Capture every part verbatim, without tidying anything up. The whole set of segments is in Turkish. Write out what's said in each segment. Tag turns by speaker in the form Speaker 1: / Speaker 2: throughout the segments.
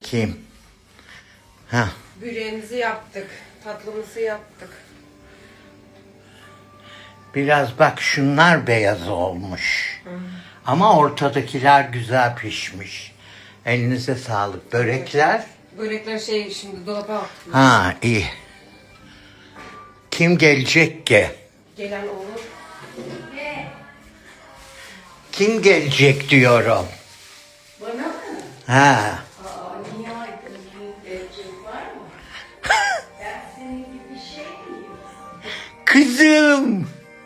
Speaker 1: bakayım. Ha.
Speaker 2: Böreğimizi yaptık. Tatlımızı yaptık.
Speaker 1: Biraz bak şunlar beyaz olmuş. Hı. Ama ortadakiler güzel pişmiş. Elinize sağlık. Börekler?
Speaker 2: Börekler şey şimdi dolaba attım.
Speaker 1: Ha iyi. Kim gelecek ki?
Speaker 2: Gelen olur.
Speaker 1: Kim gelecek diyorum.
Speaker 3: Bana mı?
Speaker 1: Ha.
Speaker 3: Aa, niye aydın gelecek var mı? Ben senin gibi şey miyim?
Speaker 1: Kızım.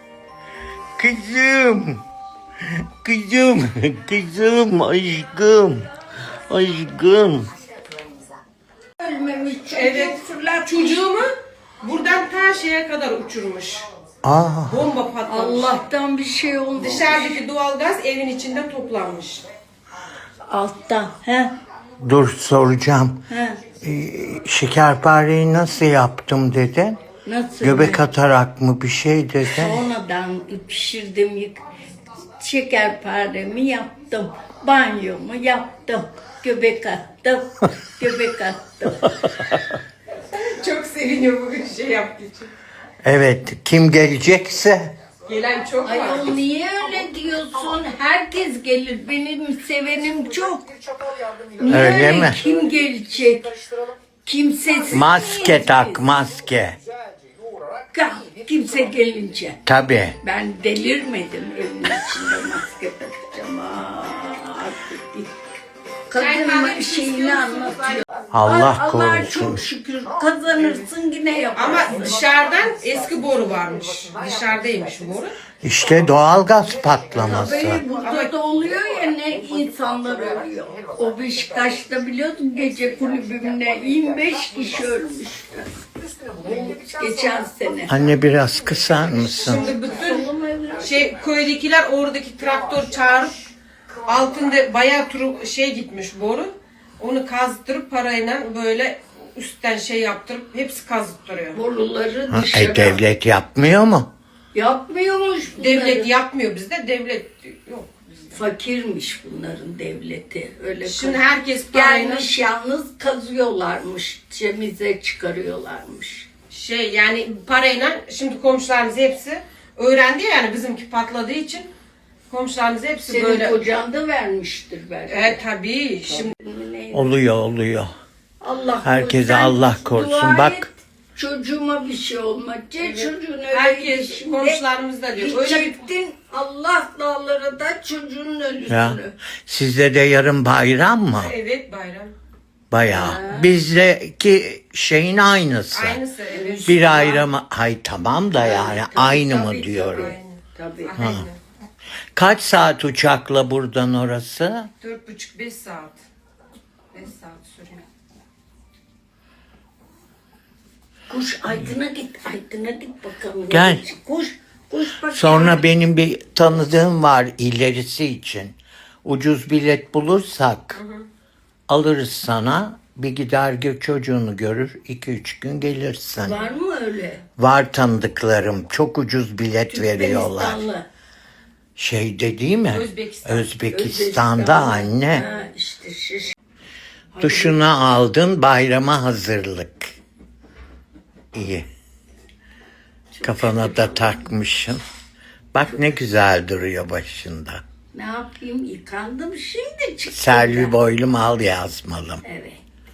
Speaker 1: Kızım. Kızım. Kızım. Aşkım. Aşkım.
Speaker 3: Ölmemiş çocuğu
Speaker 2: Evet.
Speaker 3: fırlat.
Speaker 2: Çocuğumu buradan ta şeye kadar uçurmuş.
Speaker 1: Aa.
Speaker 2: Bomba patlamış.
Speaker 3: Allah'tan bir şey olmuş.
Speaker 2: Dışarıdaki doğalgaz evin içinde toplanmış.
Speaker 3: Alttan. He?
Speaker 1: Dur soracağım.
Speaker 3: He.
Speaker 1: Ee, şekerpareyi nasıl yaptım dedin?
Speaker 3: Nasıl?
Speaker 1: Göbek atarak mı bir şey dedin?
Speaker 3: Sonradan pişirdim. Yık. Şekerparemi yaptım. Banyomu yaptım. Göbek attım. Göbek attım.
Speaker 2: Çok seviniyor bugün şey yaptığı için.
Speaker 1: Evet. Kim gelecekse.
Speaker 2: Gelen çok var.
Speaker 3: Ayol niye öyle diyorsun? Herkes gelir. Benim sevenim çok. Niye
Speaker 1: Öyle mi?
Speaker 3: Kim gelecek? Kimsesiz
Speaker 1: Maske
Speaker 3: miyiz
Speaker 1: tak
Speaker 3: biz?
Speaker 1: maske.
Speaker 3: Ka- Kimse gelince.
Speaker 1: Tabii.
Speaker 3: Ben delirmedim evin içinde maske takacağım. Aa, artık değil. Kadın şeyini anlatıyor.
Speaker 1: Allah
Speaker 3: Allah'a
Speaker 1: korusun.
Speaker 3: çok şükür kazanırsın yine yaparsın.
Speaker 2: Ama dışarıdan eski boru varmış. Dışarıdaymış boru.
Speaker 1: İşte doğalgaz patlaması.
Speaker 3: Tabii burada da oluyor ya ne insanlar ölüyor. O Beşiktaş'ta biliyorsun gece kulübümde yirmi beş kişi ölmüştü. Geçen sene.
Speaker 1: Anne biraz kısar mısın?
Speaker 2: Şimdi bütün şey köydekiler oradaki traktör çağırıp altında bayağı turu şey gitmiş boru. Onu kazdırıp parayla böyle üstten şey yaptırıp hepsi kazdırıyor.
Speaker 3: Boruları
Speaker 1: Ha,
Speaker 3: dışarı.
Speaker 1: e, devlet yapmıyor mu?
Speaker 3: Yapmıyormuş bunları.
Speaker 2: Devlet yapmıyor bizde, devlet yok.
Speaker 3: Fakirmiş bunların devleti. Öyle
Speaker 2: Şimdi
Speaker 3: kaz-
Speaker 2: herkes parayla
Speaker 3: gelmiş yalnız kazıyorlarmış. Temize çıkarıyorlarmış.
Speaker 2: şey yani parayla şimdi komşularımız hepsi öğrendi ya yani bizimki patladığı için komşularımız hepsi
Speaker 3: Senin
Speaker 2: böyle.
Speaker 3: kocan da vermiştir belki.
Speaker 2: E tabii şimdi
Speaker 3: Ne-
Speaker 1: Oluyor oluyor.
Speaker 3: Allah
Speaker 1: Herkese
Speaker 3: sen
Speaker 1: Allah korusun.
Speaker 3: dua
Speaker 1: Bak.
Speaker 3: et, çocuğuma bir şey olmaz. Evet. Çocuğun öyle
Speaker 2: herkes
Speaker 3: şimdi
Speaker 2: komşularımız da diyor. Öyle bir
Speaker 3: gidecektin Allah dağlara da çocuğun ölüsünü.
Speaker 1: Ya. Sizde de yarın bayram mı?
Speaker 2: evet bayram.
Speaker 1: Bayağı. Bizdeki şeyin aynısı.
Speaker 2: Aynısı evet.
Speaker 1: Bir ayrımı. Hay tamam da yani
Speaker 3: tabii,
Speaker 1: aynı mı
Speaker 3: tabii,
Speaker 1: diyorum.
Speaker 2: Aynı.
Speaker 3: Tabii.
Speaker 2: Aynı.
Speaker 1: Kaç saat uçakla buradan orası?
Speaker 2: Dört buçuk beş saat. Beş saat sürüyor.
Speaker 3: Kuş Aydın'a git, Aydın'a git bakalım.
Speaker 1: Gel.
Speaker 3: Kuş, kuş bak.
Speaker 1: Sonra benim bir tanıdığım var ilerisi için. Ucuz bilet bulursak alırız sana. Bir gider gö- çocuğunu görür. iki üç gün gelirsin.
Speaker 3: Var mı öyle?
Speaker 1: Var tanıdıklarım. Çok ucuz bilet veriyorlar.
Speaker 3: Türkmenistanlı.
Speaker 1: Şeyde değil mi?
Speaker 2: Özbekistan.
Speaker 1: Özbekistan'da anne.
Speaker 3: Ha, işte şiş.
Speaker 1: Duşunu aldın, bayrama hazırlık. İyi. Kafana da takmışsın. Bak ne güzel duruyor başında.
Speaker 3: Ne yapayım? Yıkandım şimdi çıktı.
Speaker 1: Selvi boylum al yazmalım.
Speaker 3: Evet.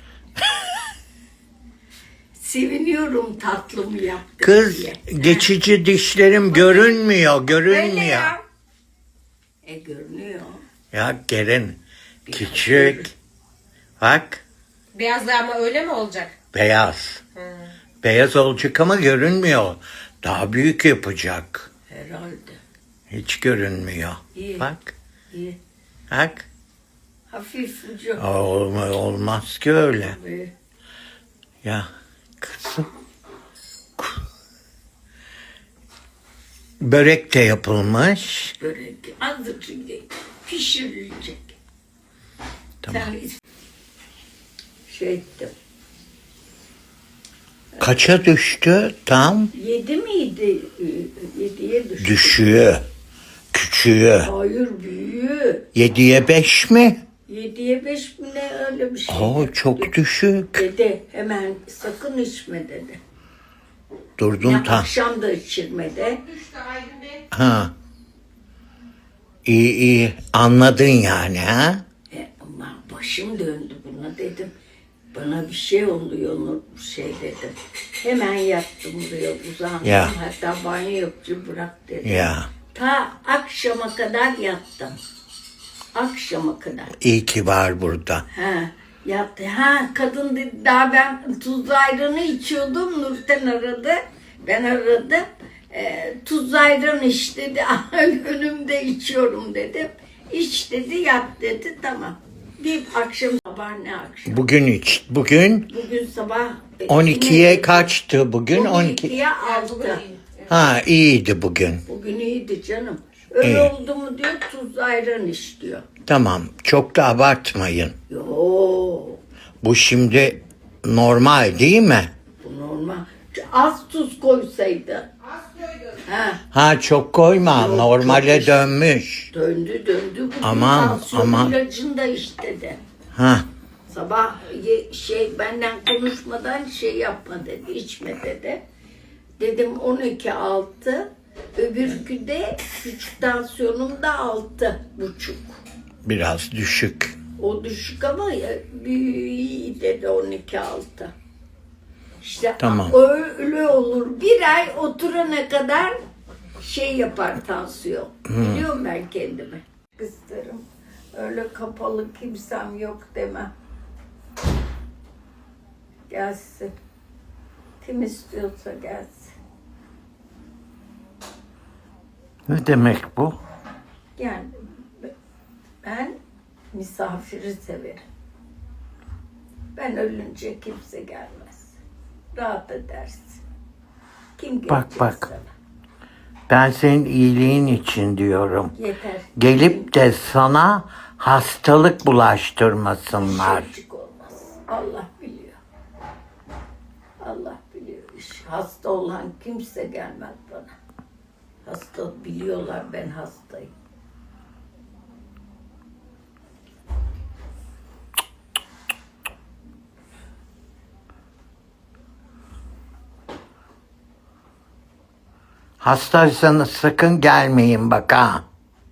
Speaker 3: Seviniyorum tatlımı yaptım
Speaker 1: Kız
Speaker 3: diye.
Speaker 1: geçici dişlerim görünmüyor,
Speaker 3: Öyle
Speaker 1: görünmüyor.
Speaker 3: ya. E görünüyor.
Speaker 1: Ya gelin küçük. Bak
Speaker 2: Beyazlı ama öyle mi olacak?
Speaker 1: beyaz.
Speaker 2: Hı.
Speaker 1: Beyaz olacak ama görünmüyor. Daha büyük yapacak.
Speaker 3: Herhalde.
Speaker 1: Hiç görünmüyor.
Speaker 3: İyi.
Speaker 1: Bak,
Speaker 3: İyi.
Speaker 1: bak.
Speaker 3: Hafif ucu.
Speaker 1: Olma- Olmaz ki öyle.
Speaker 3: Tabii.
Speaker 1: Ya kızım. Börek de yapılmış.
Speaker 3: Börek azıcık pişirilecek.
Speaker 1: Tamam.
Speaker 3: Sen şey ettim.
Speaker 1: Kaça düştü tam?
Speaker 3: Yedi miydi? Yediye düştü.
Speaker 1: Düşüğü. Küçüğü.
Speaker 3: Hayır büyüğü.
Speaker 1: Yediye beş mi?
Speaker 3: Yediye beş mi ne öyle bir şey.
Speaker 1: Oo, çok düşük.
Speaker 3: Dedi hemen sakın içme dedi.
Speaker 1: Durdun
Speaker 3: Ne
Speaker 1: tam.
Speaker 3: akşam da içirme de.
Speaker 2: Düştü Aydın Bey.
Speaker 1: Ha. İyi iyi. Anladın yani ha?
Speaker 3: E, ama başım döndü buna dedim. Bana bir şey oluyor Nur şey dedim. Hemen yattım buraya uzandım.
Speaker 1: Ya.
Speaker 3: Hatta banyo yoktu bırak dedim.
Speaker 1: Ya.
Speaker 3: Ta akşama kadar yattım. Akşama kadar.
Speaker 1: İyi ki var burada.
Speaker 3: Ha, yattı. Ha, kadın dedi daha ben tuzlu ayranı içiyordum. Nurten aradı. Ben aradım. E, tuzlu ayran iç dedi. Önümde içiyorum dedim. İç dedi, yat dedi. Tamam. Bir akşam sabah ne akşam?
Speaker 1: Bugün hiç. Bugün
Speaker 3: Bugün sabah e,
Speaker 1: on ikiye
Speaker 3: yine-
Speaker 1: kaçtı bugün? on iki.
Speaker 3: on ikiye altı.
Speaker 1: Ha iyiydi bugün.
Speaker 3: Bugün iyiydi canım. Öyle
Speaker 1: İyi.
Speaker 3: oldu mu diyor tuzlu ayran iç diyor.
Speaker 1: Tamam. Çok da abartmayın.
Speaker 3: Yo,
Speaker 1: Bu şimdi normal değil mi?
Speaker 3: bu normal. Az tuz koysaydı.
Speaker 2: Az koydum.
Speaker 3: Ha,
Speaker 1: Ha çok koyma.
Speaker 3: Yok,
Speaker 1: Normale
Speaker 3: çok-
Speaker 1: dönmüş.
Speaker 3: döndü döndü. Bugün
Speaker 1: Aman,
Speaker 3: tansiyon
Speaker 1: aman.
Speaker 3: ilacını da iç dedi.
Speaker 1: Ha.
Speaker 3: Sabah ye- şey benden konuşmadan şey yapma dedi, içme dedi. Dedim on iki altı. Öbürkü de küçük tansiyonum da altı buçuk.
Speaker 1: Biraz düşük.
Speaker 3: O düşük ama ya, iyi dedi on iki altı. İşte
Speaker 1: Tamam.
Speaker 3: öyle olur. Bir ay oturana kadar şey yapar tansiyon. Biliyorum ben kendimi. İsterim. Öyle kapalı kimsem yok demem. Gelsin. Kim istiyorsa gelsin.
Speaker 1: Ne demek bu?
Speaker 3: Yani ben misafiri severim. Ben ölünce kimse gelmez. Rahat edersin. Kim gelecek
Speaker 1: Bak, bak.
Speaker 3: sana?
Speaker 1: Ben senin iyiliğin için diyorum.
Speaker 3: Yeter.
Speaker 1: Gelip de sana hastalık bulaştırmasınlar.
Speaker 3: Çocuk olmaz. Allah biliyor. Allah biliyor. İş. Hasta olan kimse gelmez bana. Hasta biliyorlar ben hastayım.
Speaker 1: Hastaysanız sakın gelmeyin bak ha.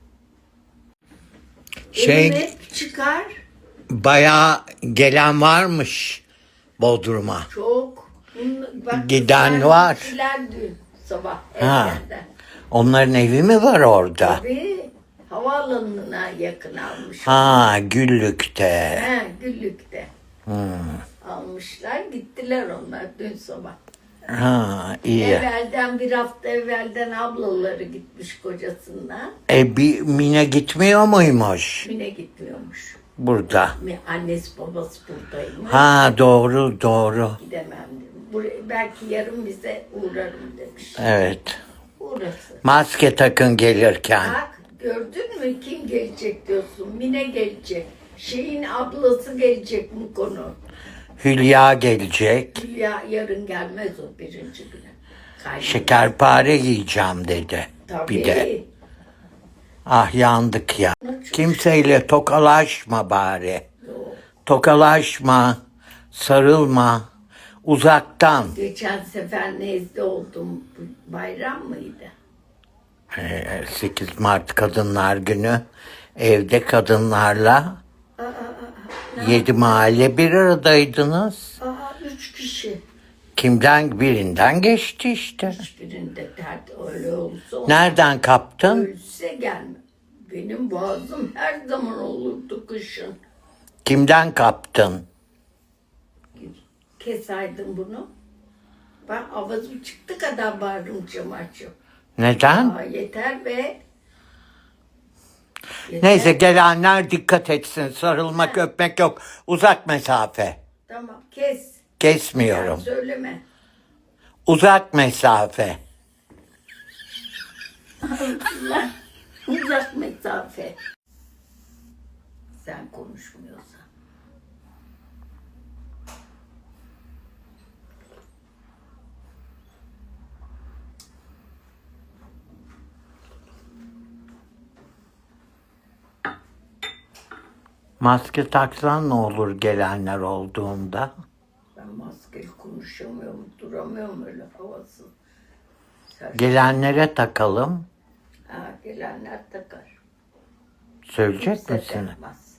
Speaker 1: Şey
Speaker 3: Elim hep çıkar.
Speaker 1: bayağı gelen varmış Bodrum'a.
Speaker 3: Çok. Bunun- Bak,
Speaker 1: Giden
Speaker 3: kızlar
Speaker 1: var.
Speaker 3: gittiler dün sabah
Speaker 1: Ha.
Speaker 3: erkenden.
Speaker 1: Onların evi mi var orada?
Speaker 3: Tabii havaalanına yakın almış.
Speaker 1: Ha Güllük'te.
Speaker 3: He, Güllük'te.
Speaker 1: Hmm.
Speaker 3: Almışlar gittiler onlar dün sabah.
Speaker 1: Ha iyi.
Speaker 3: Evvelden bir hafta evvelden ablaları gitmiş kocasından.
Speaker 1: E bir Mine gitmiyor muymuş
Speaker 3: Mine gitmiyormuş.
Speaker 1: burada?
Speaker 3: Mi- Annesi babası buradaymış.
Speaker 1: Ha doğru doğru.
Speaker 3: Gidemem dedim. Buraya, belki yarın bize uğrarım demiş.
Speaker 1: Evet.
Speaker 3: Uğrasın.
Speaker 1: Maske takın gelirken.
Speaker 3: Bak gördün mü kim gelecek diyorsun. Mine gelecek. Şeyin ablası gelecek bu konu.
Speaker 1: Hülya gelecek.
Speaker 3: Hülya yarın gelmez o birinci güne. Kaybeder.
Speaker 1: Şekerpare yiyeceğim dedi.
Speaker 3: Tabii.
Speaker 1: Bir de. Ah yandık ya. Kimseyle tokalaşma bari.
Speaker 3: Yok.
Speaker 1: Tokalaşma. Sarılma. Uzaktan.
Speaker 3: Geçen sefer nezle oldum. Bayram mıydı?
Speaker 1: Ee, sekiz Mart Kadınlar Günü. Evde kadınlarla yedi mahalle bir aradaydınız.
Speaker 3: Aa üç kişi.
Speaker 1: Kimden birinden geçti işte.
Speaker 3: Hiçbirinde dert öyle olsa
Speaker 1: Nereden kaptın?
Speaker 3: ölse gelme. Benim boğazım her zaman olurdu kışın.
Speaker 1: Kimden kaptın?
Speaker 3: Keserdim bunu. Ben avazım çıktı kadar bağırırım cam açıp.
Speaker 1: Neden?
Speaker 3: Aa, yeter be. Yeter.
Speaker 1: Neyse gelenler dikkat etsin. Sarılmak, öpmek yok. Uzak mesafe.
Speaker 3: Tamam kes.
Speaker 1: Kesmiyorum.
Speaker 3: Yani söyleme.
Speaker 1: Uzak mesafe.
Speaker 3: Allah. Uzak mesafe. Sen konuşmuyorsan.
Speaker 1: Maske taksan ne olur gelenler olduğunda?
Speaker 3: Ben maskeli konuşamıyorum, duramıyorum öyle havasız. Sen-
Speaker 1: Gelenlere takalım.
Speaker 3: Ha, gelenler takar.
Speaker 1: Söyleyecek
Speaker 3: Kimse
Speaker 1: misin?
Speaker 3: takmaz.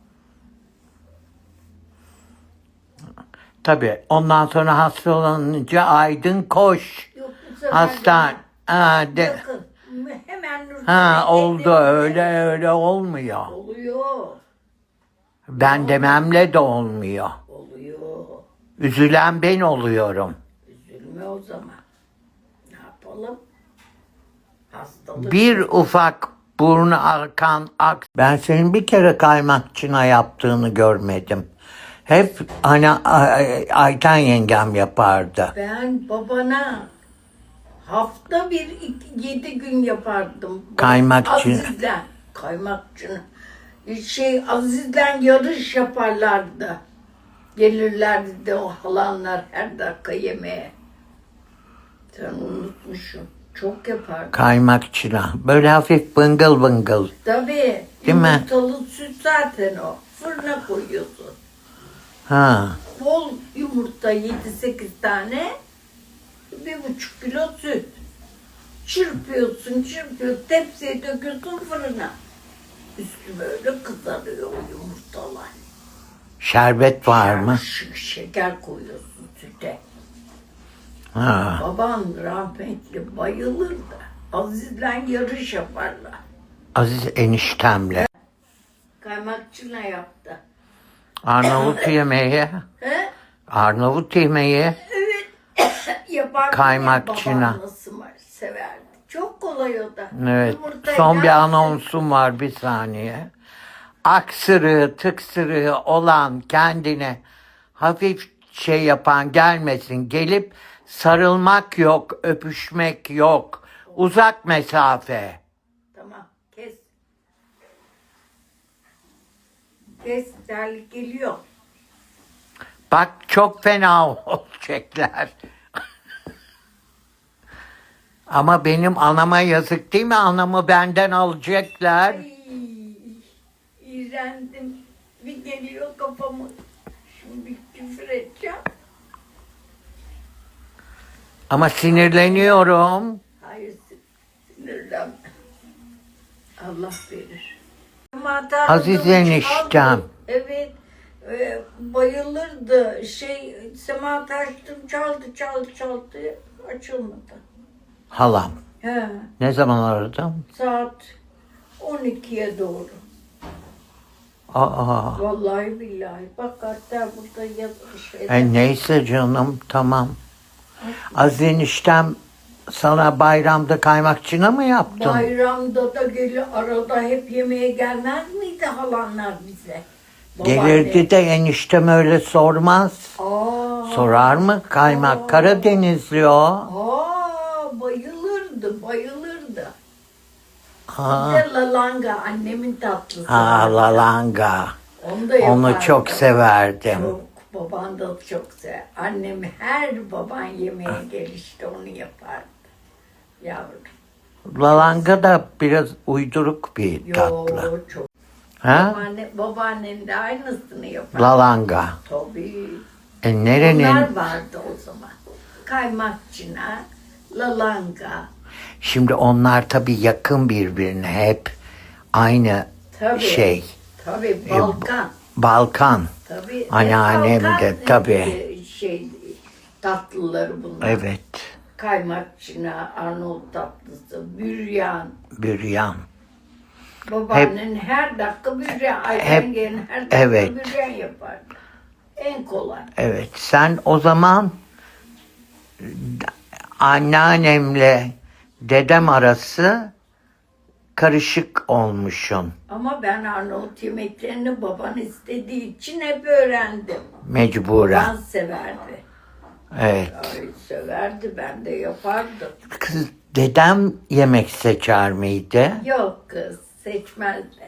Speaker 1: Tabii. Ondan sonra hastalanınca Aydın koş.
Speaker 3: Yok, bu sefer
Speaker 1: Hastan.
Speaker 3: de-
Speaker 1: Ha, de.
Speaker 3: Yakın. Hemen Nurten'e
Speaker 1: Ha oldu
Speaker 3: dedim.
Speaker 1: öyle öyle olmuyor.
Speaker 3: Oluyor.
Speaker 1: Ben dememle de olmuyor.
Speaker 3: Oluyor.
Speaker 1: Üzülen ben oluyorum.
Speaker 3: Üzülme o zaman. Ne yapalım? Hastalık.
Speaker 1: Bir ufak burnu akan ak. Ben senin bir kere kaymakçına yaptığını görmedim. Hep hani Ay- Ayten yengem yapardı.
Speaker 3: Ben babana hafta bir iki, yedi gün yapardım.
Speaker 1: Kaymakçı.
Speaker 3: Aziz'den. Kaymakçı. Şey Aziz'den yarış yaparlardı. Gelirlerdi de o halanlar her dakika yemeğe. Sen unutmuşsun. Çok yapardı.
Speaker 1: Kaymakçına. Böyle hafif bıngıl bıngıl.
Speaker 3: Tabii.
Speaker 1: Değil mi?
Speaker 3: Yumurtalı süt zaten o. Fırına koyuyorsun.
Speaker 1: Ha.
Speaker 3: Bol yumurta yedi sekiz tane. Bir buçuk kilo süt. Çırpıyorsun, çırpıyorsun. Tepsiye döküyorsun fırına. Üstü böyle kızarıyor o yumurtalar.
Speaker 1: Şerbet var mı?
Speaker 3: Ş- şeker koyuyorsun süte.
Speaker 1: Ha.
Speaker 3: Babam rahmetli bayılırdı. Aziz'le yarış yaparlar.
Speaker 1: Aziz eniştemle.
Speaker 3: Kaymakçına yaptı.
Speaker 1: Arnavut yemeği.
Speaker 3: He?
Speaker 1: Arnavut yemeği.
Speaker 3: Yapardı.
Speaker 1: Kaymakçına.
Speaker 3: Babam nasıl var, severdi. Çok kolay o da.
Speaker 1: Evet.
Speaker 3: Yumurtayı
Speaker 1: Son bir
Speaker 3: yaparsın.
Speaker 1: anonsum var bir saniye. Aksırığı, tıksırığı olan kendine hafif şey yapan gelmesin. Gelip sarılmak yok, öpüşmek yok. Uzak mesafe.
Speaker 3: Tamam kes. Kes terlik geliyor.
Speaker 1: Bak çok fena olacaklar. Ama benim anama yazık değil mi? Anamı benden alacaklar.
Speaker 3: Ay, iğrendim. Bir geliyor kafamı. Şimdi bir küfür edeceğim.
Speaker 1: Ama sinirleniyorum.
Speaker 3: Hayır sinirlenme. Allah verir.
Speaker 1: Aziz eniştem.
Speaker 3: Evet. E, bayılırdı. Şey sema taştım çaldı çaldı çaldı. Açılmadı.
Speaker 1: Halam.
Speaker 3: He.
Speaker 1: Ne zaman aradım?
Speaker 3: Saat on ikiye doğru.
Speaker 1: Aa.
Speaker 3: Vallahi billahi. Bak hatta burada yazmış.
Speaker 1: E neyse canım tamam. Aziz eniştem sana bayramda kaymakçına mı yaptın?
Speaker 3: Bayramda da geliyor. Arada hep yemeğe gelmez miydi halanlar bize?
Speaker 1: Gelirdi de eniştem öyle sormaz.
Speaker 3: Aa,
Speaker 1: Sorar mı? Kaymak
Speaker 3: Aa.
Speaker 1: Karadenizli o.
Speaker 3: aa, bayılırdı, bayılırdı.
Speaker 1: Ha,
Speaker 3: Bir de lalanga, annemin tatlısı.
Speaker 1: ha lalanga.
Speaker 3: Onu da yapardı.
Speaker 1: Onu çok severdim.
Speaker 3: Çok, baban da çok sever. Annem her baban yemeğe gelişte onu yapardı. Yavrum.
Speaker 1: Lalanga da biraz uyduruk bir
Speaker 3: Yo,
Speaker 1: tatlı.
Speaker 3: çok.
Speaker 1: Ha?
Speaker 3: Babaanne, babaannen de aynısını yapar.
Speaker 1: Lalanga.
Speaker 3: Tabii.
Speaker 1: E nerenin?
Speaker 3: Onlar vardı o zaman. Kaymakçına, lalanga.
Speaker 1: Şimdi onlar tabii yakın birbirine hep aynı
Speaker 3: Tabii.
Speaker 1: şey.
Speaker 3: Tabii Balkan.
Speaker 1: Balkan.
Speaker 3: Tabii.
Speaker 1: Anneannem
Speaker 3: Balkan,
Speaker 1: de tabii.
Speaker 3: e, Şey, tatlıları bunlar.
Speaker 1: Evet.
Speaker 3: Kaymakçına, Arnavut tatlısı, büryan.
Speaker 1: Büryan.
Speaker 3: Babaannen her dakika büryan.
Speaker 1: hep-
Speaker 3: Ayten her dakika
Speaker 1: evet.
Speaker 3: büryan yapardı. En kolay.
Speaker 1: Evet. Sen o zaman anneannemle dedem arası karışık olmuşsun.
Speaker 3: Ama ben Arnavut yemeklerini baban istediği için hep öğrendim.
Speaker 1: Mecburen.
Speaker 3: Baban severdi.
Speaker 1: Evet.
Speaker 3: Ay, severdi, ben de yapardım.
Speaker 1: Kız dedem yemek seçer miydi?
Speaker 3: Yok kız, seçmezdi.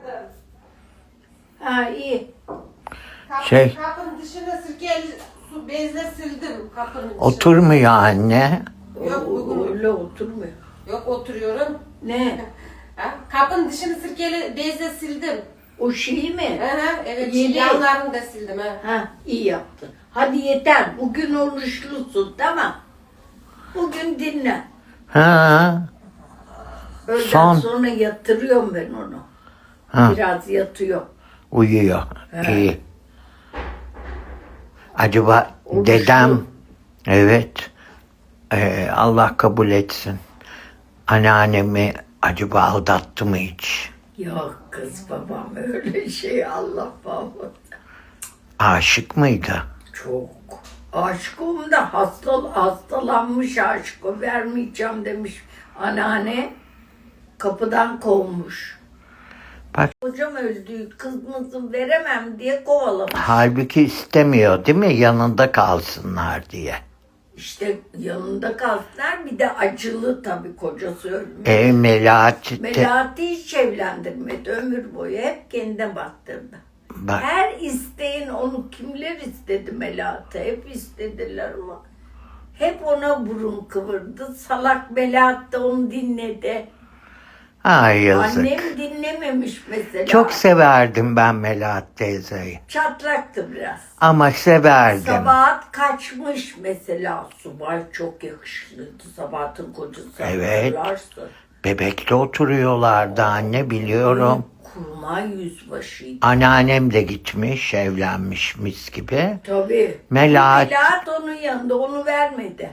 Speaker 3: Ha iyi.
Speaker 2: Kapı,
Speaker 1: Şey-
Speaker 2: Kapının dışına sirkeli su bezle sildim kapının dışına.
Speaker 1: Oturmuyor anne.
Speaker 2: Yok, bugün-
Speaker 3: Öyle oturmuyor.
Speaker 2: Yok oturuyorum.
Speaker 3: Ne?
Speaker 2: Ha? Kapının dışını sirkeli bezle sildim.
Speaker 3: O şeyi mi?
Speaker 2: Aha, evet,
Speaker 3: Yedi.
Speaker 2: yanlarını da sildim ha.
Speaker 3: Ha, iyi yaptın. Hadi yeter. Bugün oruçlusun, tamam. Bugün dinle.
Speaker 1: Ha.
Speaker 3: Öğleden
Speaker 1: Son.
Speaker 3: sonra yatırıyorum ben onu.
Speaker 1: Ha.
Speaker 3: Biraz yatıyor.
Speaker 1: Uyuyor. İyi. Acaba
Speaker 3: Oruçlu.
Speaker 1: dedem, evet, Ee, Allah kabul etsin. Anneannemi acaba aldattı mı hiç?
Speaker 3: Yok kız babam öyle şey, Allah bağışlasın.
Speaker 1: Aşık mıydı?
Speaker 3: Çok. Aşkım da hasta, hastalanmış, aşkı vermeyeceğim demiş. Anneanne kapıdan kovmuş.
Speaker 1: Bak,
Speaker 3: Hocam öldü, kızımızı veremem diye kovalamış.
Speaker 1: halbuki istemiyor değil mi? Yanında kalsınlar diye.
Speaker 3: İşte yanında kalsınlar, bir de acılı tabii, kocası ölmüş.
Speaker 1: E Melahat de-
Speaker 3: Melahat'i hiç evlendirmedi, ömür boyu hep kendine baktırdı.
Speaker 1: bak,
Speaker 3: Her isteğin, onu kimler istedi Melahat'ı, hep istediler ama hep ona burun kıvırdı. Salak Melahat da onu dinledi.
Speaker 1: ay yazık.
Speaker 3: Annem dinlememiş mesela.
Speaker 1: Çok severdim ben Melahat teyzeyi.
Speaker 3: Çatlaktı biraz.
Speaker 1: Ama severdim.
Speaker 3: Sabahat kaçmış mesela. Subay çok yakışıklıydı. Sabahat'ın kocası.
Speaker 1: Evet.
Speaker 3: Hatırlarsın.
Speaker 1: Bebekte oturuyorlardı anne, biliyorum.
Speaker 3: Kurmay yüzbaşıydı.
Speaker 1: Anneannem de gitmiş, evlenmiş mis gibi.
Speaker 3: Tabii.
Speaker 1: Melahat-
Speaker 3: Melahat onun yanında, onu vermedi.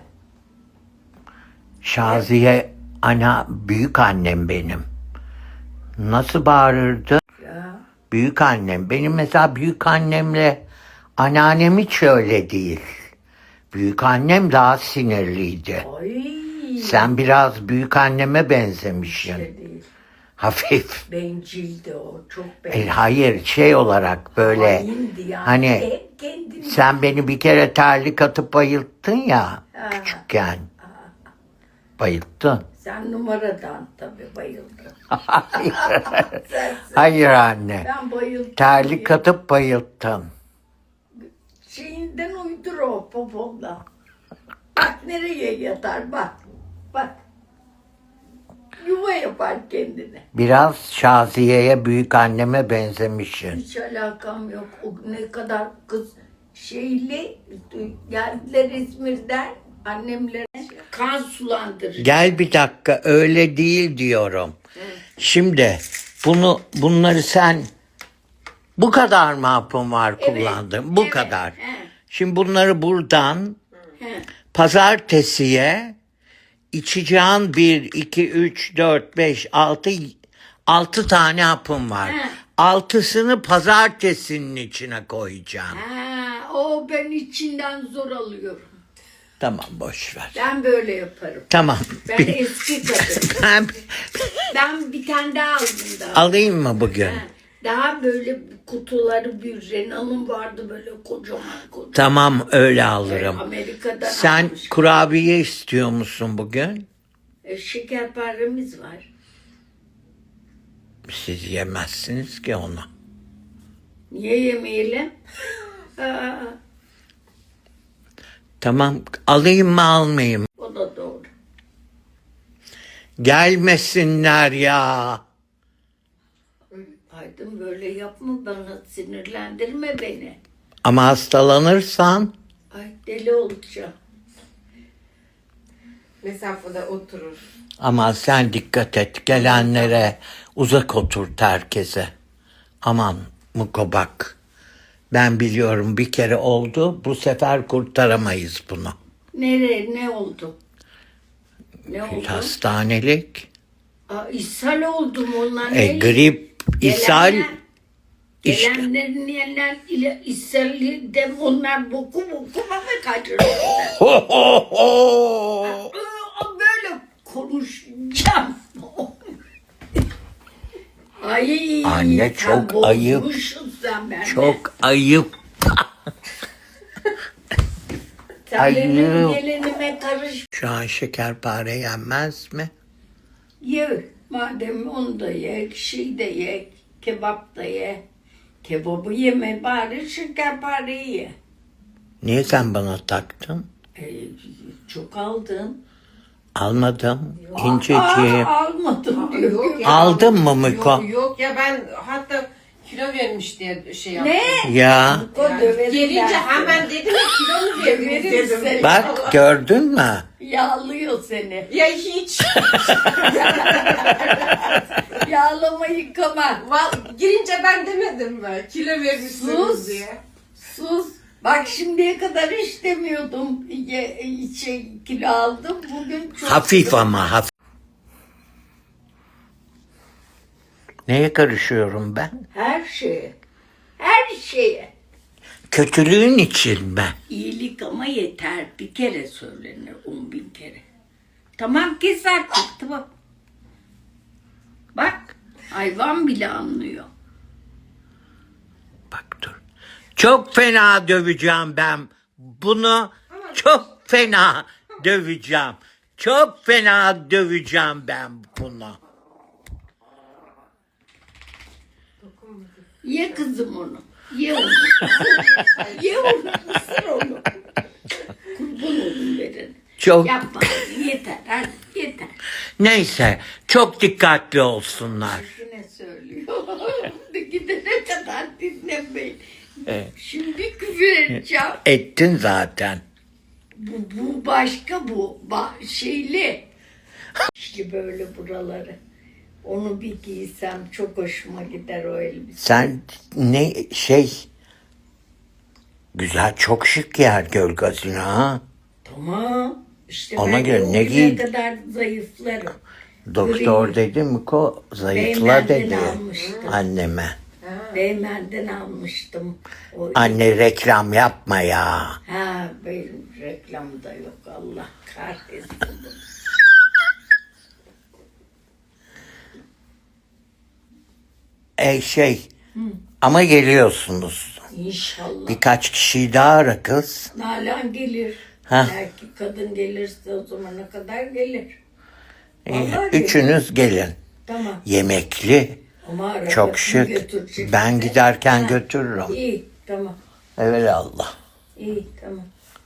Speaker 1: Şaziye ana, büyük annem benim. Nasıl bağırırdı?
Speaker 3: Ya.
Speaker 1: Büyük annem. Benim mesela büyük annemle anneannem hiç öyle değil. Büyük annem daha sinirliydi.
Speaker 3: Ay.
Speaker 1: Sen biraz büyük anneme benzemişsin.
Speaker 3: Şey değil.
Speaker 1: Hafif.
Speaker 3: Bencildi o. Çok
Speaker 1: E,
Speaker 3: bencil.
Speaker 1: hayır, şey olarak böyle.
Speaker 3: Haindi yani.
Speaker 1: Hani
Speaker 3: Hep kendini.
Speaker 1: sen beni bir kere terlik atıp bayılttın ya
Speaker 3: Ha.
Speaker 1: küçükken. Bayılttın.
Speaker 3: Sen numaradan tabii bayıldın. Sensin.
Speaker 1: Hayır anne.
Speaker 3: Ben bayıldım.
Speaker 1: Terlik atıp bayılttın.
Speaker 3: Şeyinden uydur o popomda. Bak nereye yatar bak. Bak. Yuva yapar kendine.
Speaker 1: Biraz Şaziye'ye, büyük anneme benzemişsin.
Speaker 3: Hiç alakam yok. O ne kadar kız şeyli geldiler İzmir'den, annemlere kan sulandırır.
Speaker 1: Gel bir dakika, öyle değil diyorum. Şimdi bunu bunları sen bu kadar mı hapın var kullandın? Bu
Speaker 3: evet,
Speaker 1: kadar.
Speaker 3: he.
Speaker 1: Şimdi bunları buradan
Speaker 3: He.
Speaker 1: pazartesiye içeceğin bir, iki, üç, dört, beş, altı, altı tane hapım var.
Speaker 3: He.
Speaker 1: Altısını pazartesinin içine koyacağım.
Speaker 3: Ha, o ben içinden zor alıyorum.
Speaker 1: Tamam, boş ver.
Speaker 3: Ben böyle yaparım.
Speaker 1: Tamam.
Speaker 3: Ben
Speaker 1: Bir-
Speaker 3: eski kadın.
Speaker 1: ben
Speaker 3: Ben bir tane daha aldım daha.
Speaker 1: alayım mı bugün?
Speaker 3: Ha, daha böyle kutuları bir Renal'ın vardı böyle kocaman kocaman.
Speaker 1: Tamam, öyle alırım.
Speaker 3: Amerika'dan
Speaker 1: Sen
Speaker 3: almış.
Speaker 1: kurabiye istiyor musun bugün?
Speaker 3: E, şekerparemiz var.
Speaker 1: Siz yemezsiniz ki onu.
Speaker 3: Niye yemeyelim? Aa,
Speaker 1: Tamam, alayım mı almayayım?
Speaker 3: o da doğru.
Speaker 1: Gelmesinler ya.
Speaker 3: Aydın böyle yapma bana, sinirlendirme beni.
Speaker 1: Ama hastalanırsan
Speaker 3: Ay deli olacağım.
Speaker 2: Mesafede oturur.
Speaker 1: ama sen dikkat et. Gelenlere uzak oturt herkese. Aman mukobak. Ben biliyorum, bir kere oldu. Bu sefer kurtaramayız bunu.
Speaker 3: Nereye, ne oldu? Ne oldu?
Speaker 1: Hastanelik.
Speaker 3: Aa, ishal oldum onlar.
Speaker 1: E, grip, ishal.
Speaker 3: Gelenler-
Speaker 1: işte.
Speaker 3: Gelenlerin yerler ile ishali de onlar boku boku mı kaçırıyorlar?
Speaker 1: Ho ho ho.
Speaker 3: Böyle konuşacağım. Ay,
Speaker 1: Anne,
Speaker 3: sen
Speaker 1: çok ayıp.
Speaker 3: bozmuşsun sen bende.
Speaker 1: Çok ayıp.
Speaker 3: Sen benim
Speaker 1: ayıp.
Speaker 3: gelenime karış.
Speaker 1: Şu an şekerpare yenmez mi?
Speaker 3: Ye. Madem onu da ye, şey de ye, kebap da ye. Kebabı yeme bari, şekerpareyi ye.
Speaker 1: Niye sen bana taktın?
Speaker 3: E, çok aldın.
Speaker 1: Almadım.
Speaker 3: Aa,
Speaker 1: İnceciğim.
Speaker 3: almadım diyor.
Speaker 2: Yok ya.
Speaker 1: Aldın mı Miko?
Speaker 2: Yok, yok ya, ben hatta Kilo vermiş diye şey yaptım.
Speaker 3: Ne?
Speaker 1: Ya
Speaker 3: O döverim
Speaker 2: Gelince
Speaker 3: ben
Speaker 2: hemen dedim ya kilo mu verdiniz
Speaker 3: Döverim
Speaker 2: dedim.
Speaker 3: seni.
Speaker 1: bak gördün mü?
Speaker 3: Yağlıyor seni.
Speaker 2: Ya hiç.
Speaker 3: Yağlama yıkama.
Speaker 2: Val, girince ben demedim mi? Kilo vermişsiniz
Speaker 3: Sus.
Speaker 2: diye.
Speaker 3: Sus. Bak şimdiye kadar hiç demiyordum. Ye, şey, kilo aldım. Bugün çok...
Speaker 1: Hafif ama hafif. Neye karışıyorum ben?
Speaker 3: Her şeye. Her şeye.
Speaker 1: Kötülüğün için mi?
Speaker 3: İyilik ama yeter. Bir kere söylenir. On bin kere. Tamam kes artık. Tamam. Bak. Hayvan bile anlıyor.
Speaker 1: Bak dur. Çok fena döveceğim ben. Bunu çok fena döveceğim. Çok fena döveceğim ben bunu.
Speaker 3: Ye kızım onu. Ye onu. Ye onu. Isır onu. Kurban olun verin.
Speaker 1: Çok
Speaker 3: Yapma. Yeter. Hadi yeter.
Speaker 1: neyse çok dikkatli olsunlar.
Speaker 3: Yine söylüyor. Gidene kadar dinlemeyin.
Speaker 1: Evet.
Speaker 3: Şimdi küfür edeceğim.
Speaker 1: Ettin zaten.
Speaker 3: Bu, bu başka bu. Ba- şeyli. İşte böyle buraları. Onu bir giysem çok hoşuma gider o elbise.
Speaker 1: Sen ne şey güzel çok şık yer göl gazino ha.
Speaker 3: Tamam. İşte
Speaker 1: Ona
Speaker 3: ben
Speaker 1: göre
Speaker 3: o
Speaker 1: ne
Speaker 3: güne
Speaker 1: giy-
Speaker 3: kadar zayıflarım.
Speaker 1: Doktor
Speaker 3: Gri.
Speaker 1: dedi mi ko zayıfla
Speaker 3: Beymen'den
Speaker 1: dedi
Speaker 3: almıştım.
Speaker 1: anneme.
Speaker 3: Beymen'den almıştım. O
Speaker 1: Anne reklam yapma ya.
Speaker 3: Ha benim reklamda yok Allah kahretsin.
Speaker 1: E şey ama geliyorsunuz.
Speaker 3: İnşallah.
Speaker 1: Birkaç kişiyi daha ara kız.
Speaker 3: Nalan gelir.
Speaker 1: Ha.
Speaker 3: Belki kadın gelirse o zamana kadar gelir.
Speaker 1: İyi,
Speaker 3: Vallahi gelir.
Speaker 1: üçünüz gelin.
Speaker 3: Tamam.
Speaker 1: Yemekli,
Speaker 3: Ama arabasını
Speaker 1: çok şık.
Speaker 3: götürecek
Speaker 1: Ben
Speaker 3: bize.
Speaker 1: giderken
Speaker 3: Ha.
Speaker 1: götürürüm.
Speaker 3: İyi tamam.
Speaker 1: Evelallah.
Speaker 3: İyi tamam.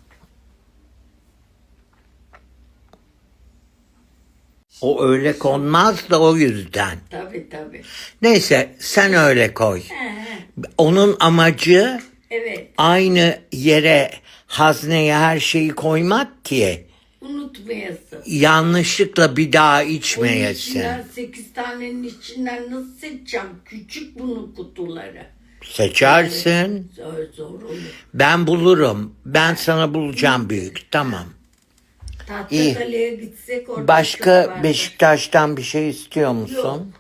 Speaker 1: O öyle konmaz da o yüzden.
Speaker 3: Tabii tabii.
Speaker 1: Neyse sen öyle koy.
Speaker 3: He, he.
Speaker 1: Onun amacı
Speaker 3: Evet.
Speaker 1: aynı yere hazneye her şeyi koymak ki
Speaker 3: Unutmayasın.
Speaker 1: yanlışlıkla bir daha
Speaker 3: Onun
Speaker 1: içmeyesin.
Speaker 3: içinden sekiz tanenin içinden nasıl seçeceğim? Küçük bunun kutuları.
Speaker 1: Seçersin.
Speaker 3: Zor zor olur.
Speaker 1: Ben bulurum. Ben sana bulacağım büyük. Tamam. İyi.
Speaker 3: Tahtakale'ye gitsek orada çok
Speaker 1: Başka
Speaker 3: vardır.
Speaker 1: Beşiktaş'tan bir şey istiyor musun?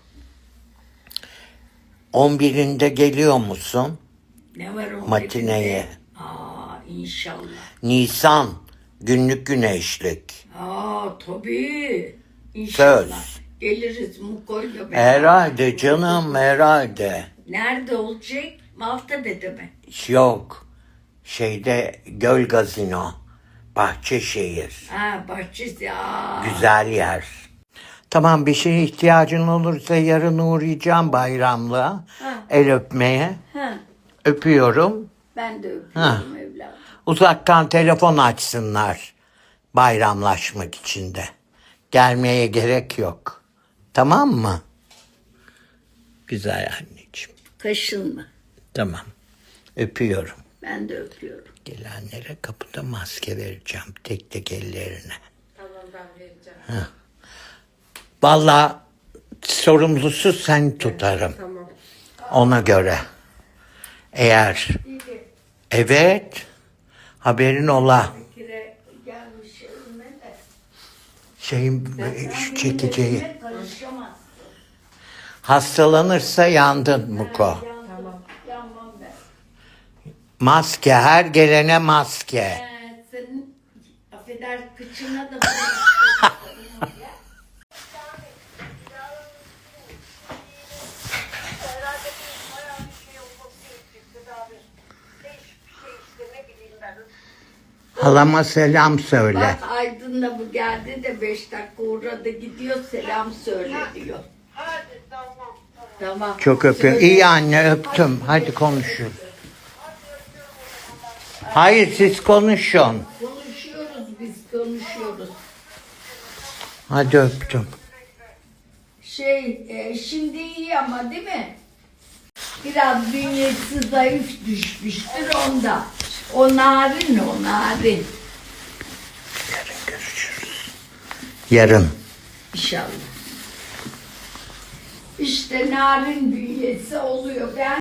Speaker 1: on birinde geliyor musun?
Speaker 3: Ne var o
Speaker 1: Matineye.
Speaker 3: Aa inşallah.
Speaker 1: Nisan. Günlük güneşlik.
Speaker 3: Aa tabii. İnşallah.
Speaker 1: Söz.
Speaker 3: Geliriz Muko'yla beraber.
Speaker 1: Herhalde canım herhalde.
Speaker 3: Nerede olacak? Maltepe'de mi?
Speaker 1: Yok. Şeyde Göl Gazino. Bahçeşehir.
Speaker 3: Ha bahçesi. Aa.
Speaker 1: Güzel yer. Tamam bir şeye ihtiyacın olursa yarın uğrayacağım bayramlığa.
Speaker 3: Ha.
Speaker 1: El öpmeye.
Speaker 3: Ha.
Speaker 1: Öpüyorum.
Speaker 3: Ben de öpüyorum
Speaker 1: Ha.
Speaker 3: evladım.
Speaker 1: Uzaktan telefon açsınlar. Bayramlaşmak için de. Gelmeye gerek yok. Tamam mı? Güzel anneciğim.
Speaker 3: Kaşınma.
Speaker 1: Tamam. Öpüyorum.
Speaker 3: Ben de öpüyorum.
Speaker 1: Gelenlere kapıda maske vereceğim. Tek tek ellerine.
Speaker 2: Tamam ben vereceğim.
Speaker 1: Vallahi sorumlusu sen tutarım.
Speaker 2: Tamam.
Speaker 1: Ona göre. Eğer evet haberin ola.
Speaker 3: Kire gelmiş evime de.
Speaker 1: Şeyin şu çekeceği.
Speaker 3: Evime karışamaz.
Speaker 1: Hastalanırsa yandın Muko.
Speaker 3: Yanmam. Yanmam ben.
Speaker 1: Maske her gelene maske.
Speaker 3: Ee, senin affeder kıçına da
Speaker 4: Herhalde bir bayağı bir şey olması gerekecek tedavi. Değişik bir şey işte ne bileyim ben.
Speaker 1: Halama selam söyle.
Speaker 3: Bak Aydın da bu geldi de beş dakika uğradı gidiyor selam söyle diyor.
Speaker 4: Hadi tamam tamam.
Speaker 3: Tamam.
Speaker 1: Çok öpüyorum.
Speaker 3: Söyle.
Speaker 1: İyi anne öptüm. Hadi konuşun. Hayır siz konuşun.
Speaker 3: Konuşuyoruz biz konuşuyoruz.
Speaker 1: Hadi öptüm.
Speaker 3: Şey e, şimdi iyi ama değil mi? Biraz bünyesi zayıf düşmüştür onda. O narin, o narin.
Speaker 1: Yarın görüşürüz. Yarın.
Speaker 3: İnşallah. İşte narin bünyesi oluyor. Ben